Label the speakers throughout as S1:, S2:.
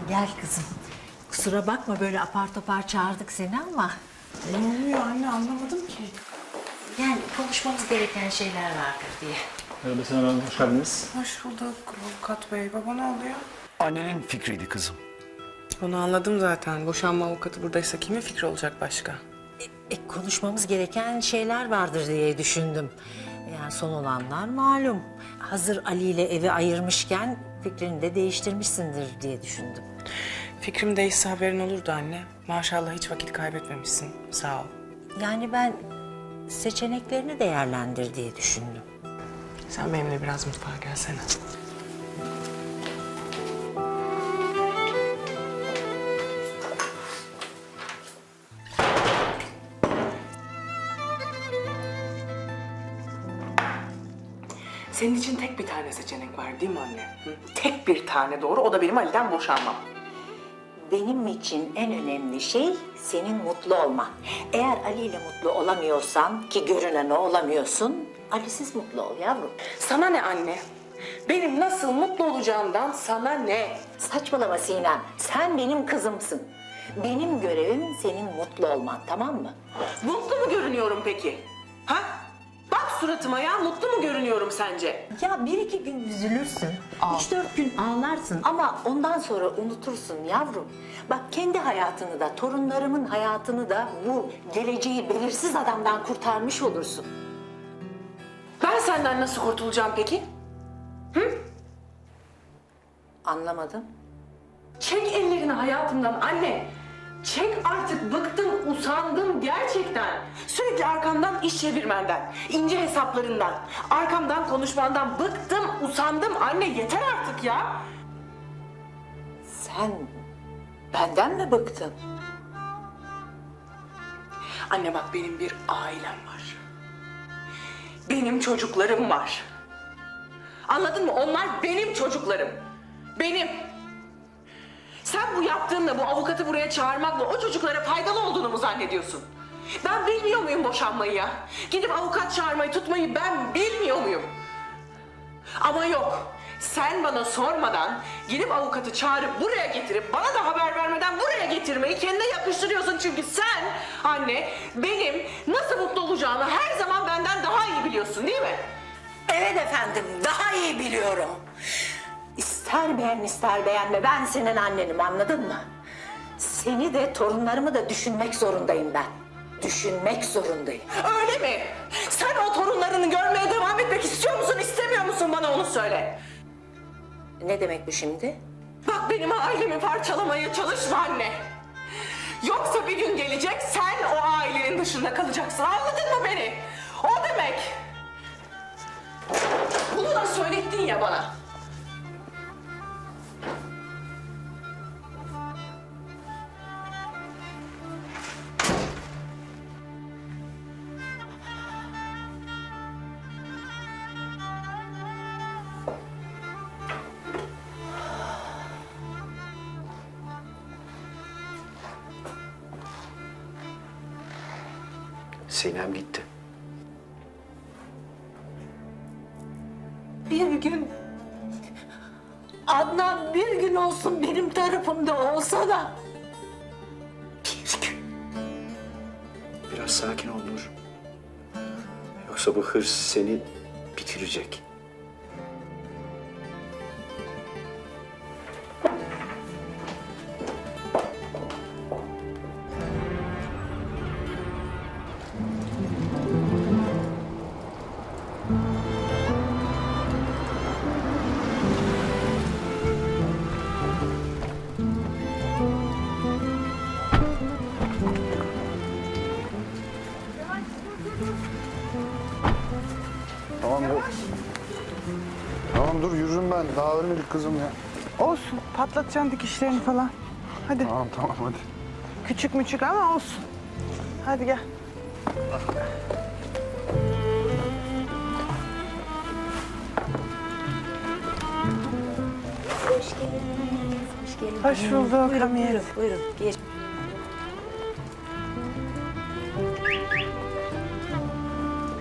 S1: Gel kızım. Kusura bakma böyle apar topar çağırdık seni ama...
S2: Ne oluyor anne, anlamadım ki.
S1: Yani konuşmamız gereken şeyler vardır diye.
S3: Merhaba Senem Hanım, hoş geldiniz.
S2: Hoş bulduk avukat bey. Baba ne oluyor?
S4: Annenin fikriydi kızım.
S2: Onu anladım zaten. Boşanma avukatı buradaysa kimin fikri olacak başka?
S1: Konuşmamız gereken şeyler vardır diye düşündüm. Yani son olanlar malum. Hazır Ali ile evi ayırmışken fikrini de değiştirmişsindir diye düşündüm.
S2: Fikrim değişse haberin olurdu anne. Maşallah hiç vakit kaybetmemişsin. Sağ ol.
S1: Yani ben seçeneklerini değerlendir diye düşündüm.
S2: Sen benimle biraz mutfağa gelsene. Senin için tek bir tane seçenek var değil mi anne? Hı? Tek bir tane doğru, o da benim Ali'den boşanmam.
S1: Benim için en önemli şey senin mutlu olman. Eğer Ali ile mutlu olamıyorsan, ki görünen o olamıyorsun, Ali'siz mutlu ol yavrum.
S2: Sana ne anne? Benim nasıl mutlu olacağımdan sana ne?
S1: Saçmalama Sinem, sen benim kızımsın. Benim görevim senin mutlu olman, tamam mı?
S2: Mutlu mu görünüyorum peki? Ha? Bak suratıma ya, mutlu mu görünüyorum sence?
S1: Ya bir iki gün üzülürsün, 3-4 gün ağlarsın ama ondan sonra unutursun yavrum. Bak kendi hayatını da, torunlarımın hayatını da bu geleceği belirsiz adamdan kurtarmış olursun.
S2: Ben senden nasıl kurtulacağım peki?
S1: Anlamadım.
S2: Çek ellerini hayatımdan anne. Çek artık, bıktım, usandım gerçekten. Sürekli arkamdan iş çevirmenden, ince hesaplarından, arkamdan konuşmandan bıktım, usandım anne, yeter artık ya.
S1: Sen benden mi bıktın?
S2: Anne bak, benim bir ailem var. Benim çocuklarım var. Anladın mı? Onlar benim çocuklarım. Benim. Sen bu yaptığınla, bu avukatı buraya çağırmakla o çocuklara faydalı olduğunu mu zannediyorsun? Ben bilmiyor muyum boşanmayı ya? Gidip avukat çağırmayı, tutmayı ben bilmiyor muyum? Ama yok. Sen bana sormadan gidip avukatı çağırıp buraya getirip bana da haber vermeden buraya getirmeyi kendine yakıştırıyorsun. Çünkü sen anne benim nasıl mutlu olacağımı her zaman benden daha iyi biliyorsun değil mi?
S1: Evet efendim, daha iyi biliyorum. İster beğen ister beğenme, ben senin annenim, anladın mı? Seni de torunlarımı da düşünmek zorundayım ben. Düşünmek zorundayım.
S2: Öyle mi? Sen o torunlarını görmeye devam etmek istiyor musun, istemiyor musun, bana onu söyle.
S1: Ne demek bu şimdi?
S2: Bak benim ailemi parçalamaya çalışma anne. Yoksa bir gün gelecek sen o ailenin dışında kalacaksın, anladın mı beni? O demek. Bunu da söylettin ya bana.
S4: Sinem gitti.
S1: Bir gün... Adnan bir gün olsun benim tarafımda olsa da... Bir gün...
S4: Biraz sakin ol Nur. Yoksa bu hırs seni bitirecek.
S5: Tamam dur yürürüm ben. Daha ölmedik kızım ya.
S6: Olsun, patlatacaksın dikişlerini falan. Hadi,
S5: Tamam hadi.
S6: küçük müçük ama olsun. Hadi gel.
S1: Hoş geldiniz, hoş geldiniz.
S6: Hoş bulduk
S1: Buyurun,
S6: Hamiyet.
S1: buyurun, buyurun. Geç.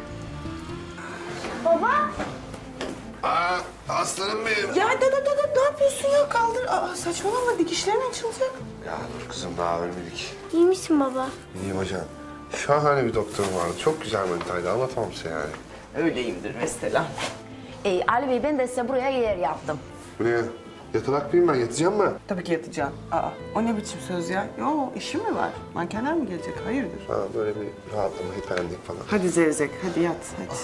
S5: Aslanım benim.
S6: Ya dur, ne yapıyorsun ya? Kaldır. Aa, saçmalama, dikişlerin açılacak.
S5: Ya dur kızım daha ölmedik.
S7: İyi misin baba?
S5: İyiyim hocam. Şahane bir doktorum vardı. Çok güzel manitaydı. Anlatamam size yani.
S2: Öyleyimdir mesela.
S8: Ali Bey ben de size buraya yer yaptım.
S5: Buraya yatarak mıyım ben? Yatacağım mı?
S6: Tabii ki yatacağım. Aa, o ne biçim söz ya? Yo, işi mi var? Mankenler mi gelecek? Hayırdır?
S5: Ha, böyle bir rahatlama, hiperlendik falan.
S6: Hadi Zevzek, hadi yat, hadi.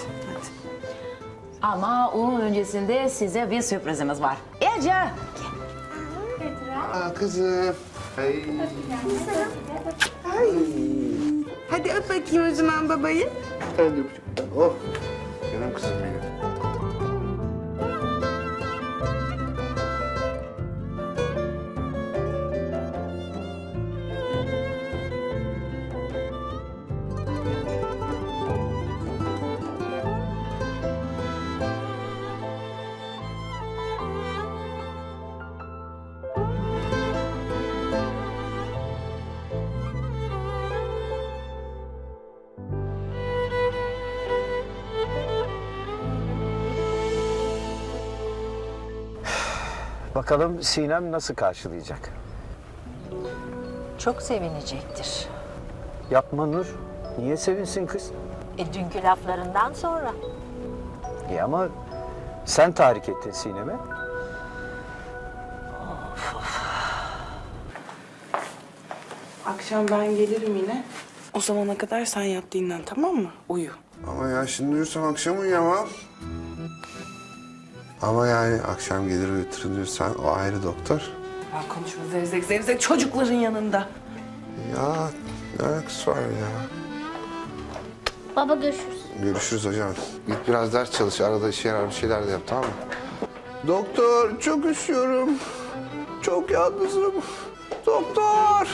S8: Ama onun öncesinde size bir sürprizimiz var. Ece!
S5: Aa kızım. Ay.
S6: Hadi öp bakayım o zaman babayı.
S5: Ben de öpeceğim. Oh. Canım kızım benim.
S4: Bakalım Sinem nasıl karşılayacak?
S1: Çok sevinecektir.
S4: Yapma Nur. Niye sevinsin kız?
S1: Dünkü laflarından sonra.
S4: İyi ama sen tahrik ettin Sinem'e.
S6: Akşam ben gelirim yine. O zamana kadar sen yat dinlen, tamam mı? Uyu.
S5: Ama ya şimdi uyursam akşam uyuyamam. Ama yani akşam gelir uyuturun diyorsan o ayrı doktor.
S6: Ya konuşma Zevzek çocukların yanında.
S5: Ya ne alakası var ya?
S7: Baba görüşürüz.
S5: Görüşürüz hocam. Git biraz ders çalış. Arada işe yarar bir şeyler de yap, tamam mı? Doktor, çok üşüyorum. Çok yalnızım. Doktor!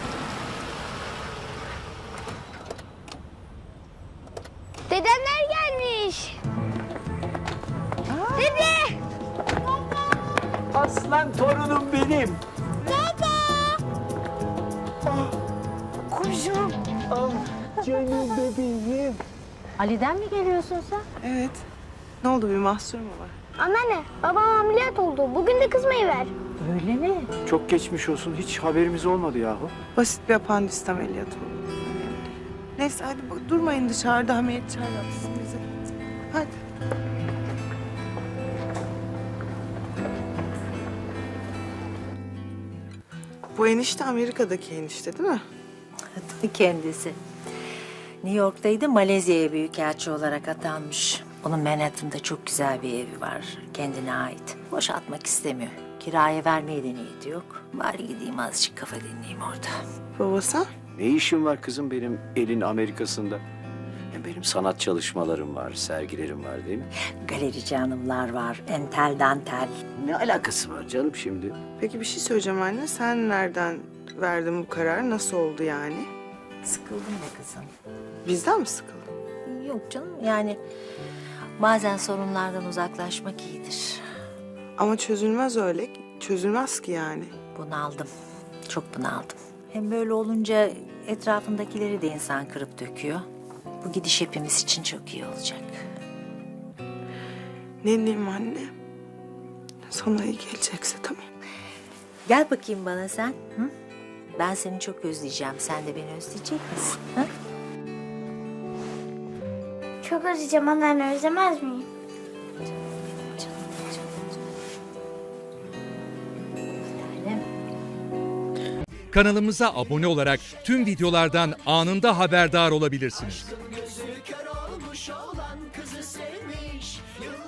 S7: Dedemler gelmiş. Dede!
S4: Aslan torunum benim.
S7: Kuzum.
S4: Canım bebeğim.
S1: Ali'den mi geliyorsun sen?
S6: Evet. Ne oldu, bir mahsur mu var?
S7: Anneanne, babam ameliyat oldu. Bugün de kızmayı ver.
S1: Öyle mi?
S4: Çok geçmiş olsun. Hiç haberimiz olmadı yahu.
S6: Basit bir apandisit ameliyatı oldu. Önemli değil. Neyse hadi durmayın dışarıda, Hamiyet çay yapsın bize. Hadi. Bu enişte Amerika'daki enişte değil mi?
S1: Kendisi. New York'taydı, Malezya'ya büyükelçi olarak atanmış. Onun Manhattan'da çok güzel bir evi var, kendine ait. Boşaltmak istemiyor. Kiraya vermeye de niyeti yok. Bari gideyim azıcık kafa dinleyeyim orada.
S6: Babası?
S4: Ne işin var kızım benim elin Amerika'sında? Hem benim sanat çalışmalarım var, sergilerim var değil mi?
S1: Galerici hanımlar var, entel dantel.
S4: Ne alakası var canım şimdi?
S6: Peki bir şey söyleyeceğim anne. Sen nereden verdin bu kararı? Nasıl oldu yani?
S1: Sıkıldım be kızım.
S6: Bizden mi sıkıldın?
S1: Yok canım, yani bazen sorunlardan uzaklaşmak iyidir.
S6: Ama çözülmez öyle. Çözülmez ki yani.
S1: Bunaldım, çok bunaldım. Hem böyle olunca etrafındakileri de insan kırıp döküyor. Bu gidiş hepimiz için çok iyi olacak.
S6: Ne diyeyim anne? Sana iyi gelecekse tamam.
S1: Gel bakayım bana sen. Hı? Ben seni çok özleyeceğim. Sen de beni özleyecek misin? Hı?
S7: Çok özleyeceğim anneanne, özlemez miyim?
S9: Kanalımıza abone olarak tüm videolardan anında haberdar olabilirsiniz.
S10: Gözü kör olmuş olan kızı sevmiş.